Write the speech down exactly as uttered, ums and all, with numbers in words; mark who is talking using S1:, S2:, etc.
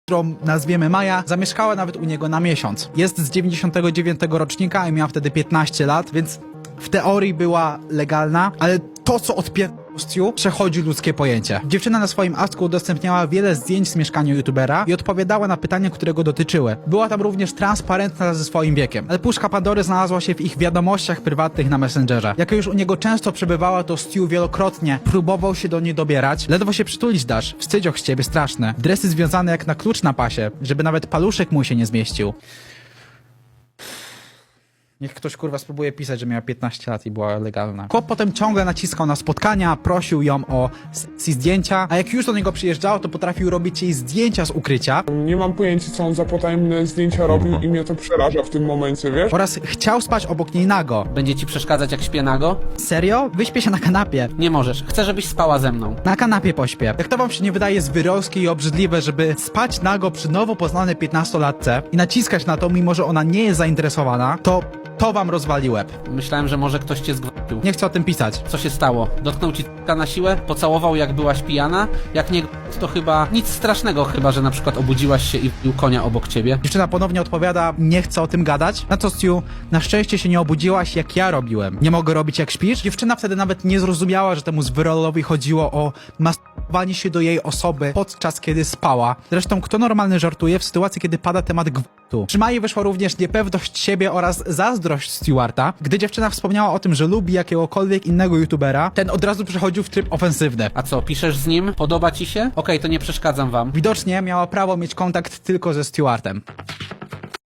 S1: którą nazwiemy Maja, zamieszkała nawet u niego na miesiąc. Jest z dziewięćdziesiątego dziewiątego rocznika i miała wtedy piętnaście lat, więc w teorii była legalna, ale to, co odpierdolił Stu, przechodzi ludzkie pojęcie. Dziewczyna na swoim Asku udostępniała wiele zdjęć z mieszkania youtubera i odpowiadała na pytania, które go dotyczyły. Była tam również transparentna ze swoim wiekiem. Ale puszka Pandory znalazła się w ich wiadomościach prywatnych na Messengerze. Jak już u niego często przebywała, to Stu wielokrotnie próbował się do niej dobierać. Ledwo się przytulić dasz. Wstydzioch z ciebie straszny. Dresy związane jak na klucz na pasie, żeby nawet paluszek mu się nie zmieścił. Niech ktoś kurwa spróbuje pisać, że miała piętnaście lat i była legalna. Chłop potem ciągle naciskał na spotkania, prosił ją o sesji zdjęcia, a jak już do niego przyjeżdżało, to potrafił robić jej zdjęcia z ukrycia.
S2: Nie mam pojęcia, co on za potajemne zdjęcia robił i mnie to przeraża w tym momencie, wiesz?
S1: Oraz chciał spać obok niej nago.
S3: Będzie ci przeszkadzać, jak śpię nago?
S1: Serio? Wyśpię się na kanapie.
S3: Nie możesz. Chcę, żebyś spała ze mną.
S1: Na kanapie pośpię. Jak to wam się nie wydaje zwyrolskie i obrzydliwe, żeby spać nago przy nowo poznanej piętnastolatce i naciskać na to, mimo że ona nie jest zainteresowana, to to wam rozwali łeb.
S3: Myślałem, że może ktoś cię zgwałcił.
S1: Nie chcę o tym pisać.
S3: Co się stało? Dotknął ci t***a na siłę? Pocałował, jak byłaś pijana? Jak nie to chyba nic strasznego, chyba że na przykład obudziłaś się i wbił konia obok ciebie.
S1: Dziewczyna ponownie odpowiada, nie chcę o tym gadać. Na co Stu, na szczęście się nie obudziłaś, jak ja robiłem. Nie mogę robić, jak śpisz? Dziewczyna wtedy nawet nie zrozumiała, że temu zwyrolowi chodziło o masturbowanie się do jej osoby podczas kiedy spała. Zresztą kto normalny żartuje w sytuacji, kiedy pada temat gwałtu? Przy Mai wyszła również niepewność siebie oraz zazdrość Stewarta. Gdy dziewczyna wspomniała o tym, że lubi jakiegokolwiek innego youtubera, ten od razu przechodził w tryb ofensywny.
S3: A co, piszesz z nim? Podoba ci się? Okej, to nie przeszkadzam wam.
S1: Widocznie miała prawo mieć kontakt tylko ze Stewartem.